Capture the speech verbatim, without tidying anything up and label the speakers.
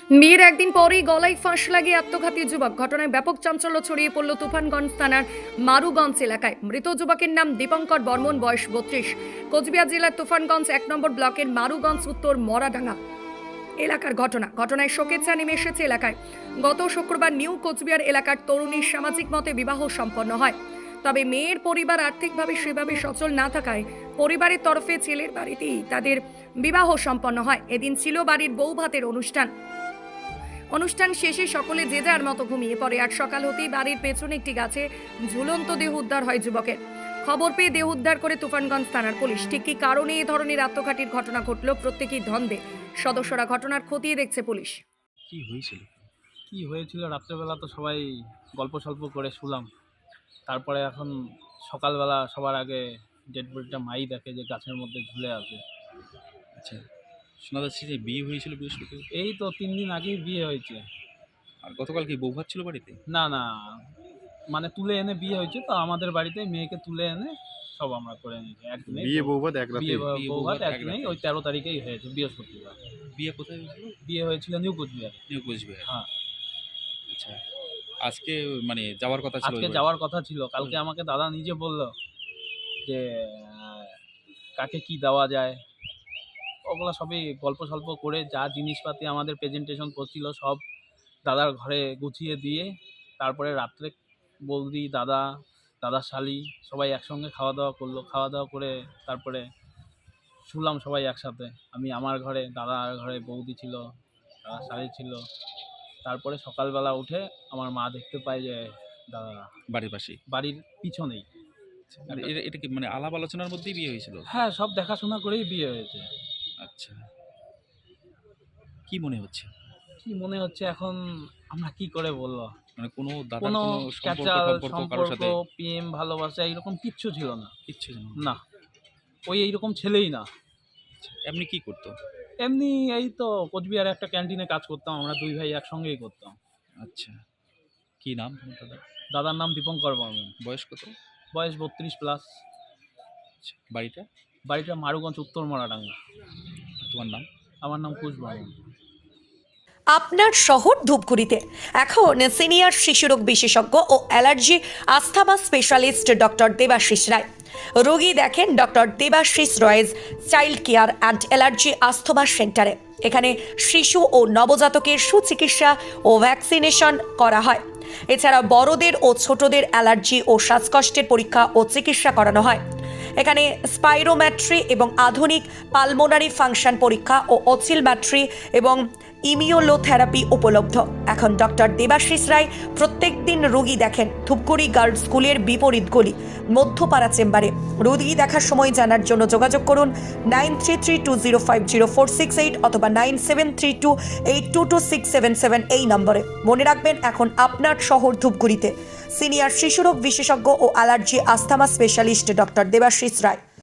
Speaker 1: বিয়ের একদিন পরেই গলায় ফাঁস লাগিয়ে আত্মঘাতী যুবক। ঘটনায় ব্যাপক চাঞ্চল্য ছড়িয়ে পড়ল তুফানগঞ্জ থানার মারুগঞ্জ এলাকায়। মৃত যুবকের নাম দীপঙ্কর বর্মন, বয়স বত্রিশ। কোচবিহার জেলার তুফানগঞ্জ এক নম্বর ব্লকের মারুগঞ্জ উত্তর মরাডাঙ্গা এলাকার ঘটনা। ঘটনায় শোকের ছায়া নেমে এসেছে এলাকায়। গত শুক্রবার নিউ কোচবিহার এলাকার তরুণীর সামাজিক মতে বিবাহ সম্পন্ন হয়। তবে মেয়ের পরিবার আর্থিকভাবে সেভাবে সচল না থাকায় পরিবারের তরফে ছেলের বাড়িতেই তাদের বিবাহ সম্পন্ন হয়। এদিন ছিল বাড়ির বউ ভাতের অনুষ্ঠান। অনুষ্ঠান শেষে সকলে যে যার মতো ঘুমিয়ে পড়ে। আর সকাল হতেই বাড়ির পেছনে একটি গাছে ঝুলন্ত দেহ উদ্ধার হয় যুবকের। খবর পেয়ে দেহ উদ্ধার করে তুফানগঞ্জ থানার পুলিশ। ঠিক কি কারণে এই ধরনের আত্মঘাতীর ঘটনা ঘটল, প্রত্যেকেই ধন্দে। সদস্যরা ঘটনার খতিয়ে দেখছে পুলিশ।
Speaker 2: কি হয়েছিল কি হয়েছিল রাত্রেবেলা তো সবাই গল্প সল্প করে শুলাম। তারপরে এখন সকালবেলা সবার আগে ডেড বডিটা মাই দেখে যে গাছের মধ্যে ঝুলে আছে।
Speaker 3: আচ্ছা, শোনা যাচ্ছে যে বিয়ে হয়েছিল বৃহস্পতিবার।
Speaker 2: এই তো তিন দিন আগেই বিয়ে হয়েছে।
Speaker 3: আর গতকাল কি বউ ভাত ছিল বাড়িতে?
Speaker 2: না না, মানে তুলে এনে বিয়ে হয়েছে তো আমাদের বাড়িতে, মেয়েকে তুলে এনে সব আমরা করে নিয়েছি একদিনে।
Speaker 4: বিয়ে বউ ভাত এক রাতে?
Speaker 2: বিয়ে
Speaker 3: বিয়ে
Speaker 2: বউ
Speaker 3: বউ
Speaker 2: ভাত
Speaker 3: ভাত এক
Speaker 2: একদিনেই,
Speaker 3: রাতে।
Speaker 2: ওই তেরো তারিখেই হয়েছে বৃহস্পতিবার।
Speaker 3: বিয়ে কোথায় হয়েছিল?
Speaker 2: বিয়ে হয়েছিল নিউ কোচবিহার।
Speaker 3: নিউ কোচবিহার।
Speaker 2: হ্যাঁ,
Speaker 3: আচ্ছা, আজকে মানে যাওয়ার কথা ছিল?
Speaker 2: আজকে
Speaker 3: ওই
Speaker 2: যাওয়ার কথা ছিল। কালকে আমাকে দাদা নিজে বলল যে আহ, কাকে কি দেওয়া যায়, ওগুলো সবই গল্প সল্প করে যা জিনিসপাতি আমাদের প্রেজেন্টেশন করছিল সব দাদার ঘরে গুছিয়ে দিয়ে তারপরে রাত্রে বৌদি, দাদা, দাদার শালি সবাই একসঙ্গে খাওয়া দাওয়া করলো। খাওয়া দাওয়া করে তারপরে শুলাম সবাই একসাথে। আমি আমার ঘরে, দাদার ঘরে বৌদি ছিল, দাদার শালি ছিল। তারপরে সকালবেলা উঠে আমার মা দেখতে পায় যে দাদা
Speaker 3: বাড়ির পাশেই।
Speaker 2: বাড়ির পিছনেই।
Speaker 3: আর এটা এটা কি মানে আলাপ আলোচনার মধ্যেই বিয়ে হয়েছিল?
Speaker 2: হ্যাঁ, সব দেখাশোনা করেই বিয়ে হয়েছে।
Speaker 3: আচ্ছা, কি মনে হচ্ছে?
Speaker 2: কি মনে হচ্ছে এখন আমরা কি করে বলবো?
Speaker 3: মানে কোনো দাদার
Speaker 2: কোনো
Speaker 3: কোনো
Speaker 2: ক্যাচাল
Speaker 3: সম্পর্ক সম্পর্ক কারোর
Speaker 2: সম্পর্ক,
Speaker 3: সাথে
Speaker 2: প্রেম, ভালোবাসা এরকম কিচ্ছু ছিল না।
Speaker 3: কিচ্ছু জানো
Speaker 2: না, ওই এইরকম ছেলেই না।
Speaker 3: এমনি কি করতো?
Speaker 2: এমনি এই তো কোচবিহারে একটা ক্যান্টিনে কাজ করতাম, আমরা দুই ভাই একসঙ্গেই করতাম।
Speaker 3: আচ্ছা, কি নাম তোমার দাদা?
Speaker 2: দাদার নাম দীপঙ্কর বর্মন,
Speaker 3: বয়স কত?
Speaker 2: বয়স বত্রিশ প্লাস।
Speaker 3: আচ্ছা, বাড়িটা?
Speaker 2: বাড়িটা মারুগঞ্জ উত্তর মরাডাঙ্গা।
Speaker 3: তোমার নাম?
Speaker 2: আমার নাম কুশ বর্মন।
Speaker 1: আপনার শহর ধূপগুড়িতে এখন সিনিয়র শিশুরোগ বিশেষজ্ঞ ও allergy asthma specialist doctor Debashis Roy. রোগী দেখেন doctor Debashis Roy's child care and allergy asthma সেন্টারে। এখানে শিশু ও নবজাতকের সুচিকিৎসা ও ভ্যাকসিনেশন করা হয়। এছাড়া বড়দের ও ছোটদের অ্যালার্জি ও শ্বাসকষ্টের পরীক্ষা ও চিকিৎসা করানো হয়। এখানে স্পাইরোম্যাট্রি এবং আধুনিক পালমোনারি ফাংশন পরীক্ষা ও অসিলম্যাট্রি এবং ইমিউলোথেরাপি উপলব্ধ। এখন ডক্টর দেবাশিস রায় প্রত্যেক দিন রোগী দেখেন ধূপগুড়ি গার্লস স্কুলের বিপরীত গলি মধ্যপাড়া চেম্বারে। রোগী দেখার সময় জানার জন্য যোগাযোগ করুন nine three three two zero five zero four six eight অথবা nine seven three two eight two two six seven seven এই নম্বরে। মনে রাখবেন, এখন আপনার শহর ধূপগুড়িতে সিনিয়র শিশুরোগ বিশেষজ্ঞ ও allergy asthma specialist doctor Debashis রায়।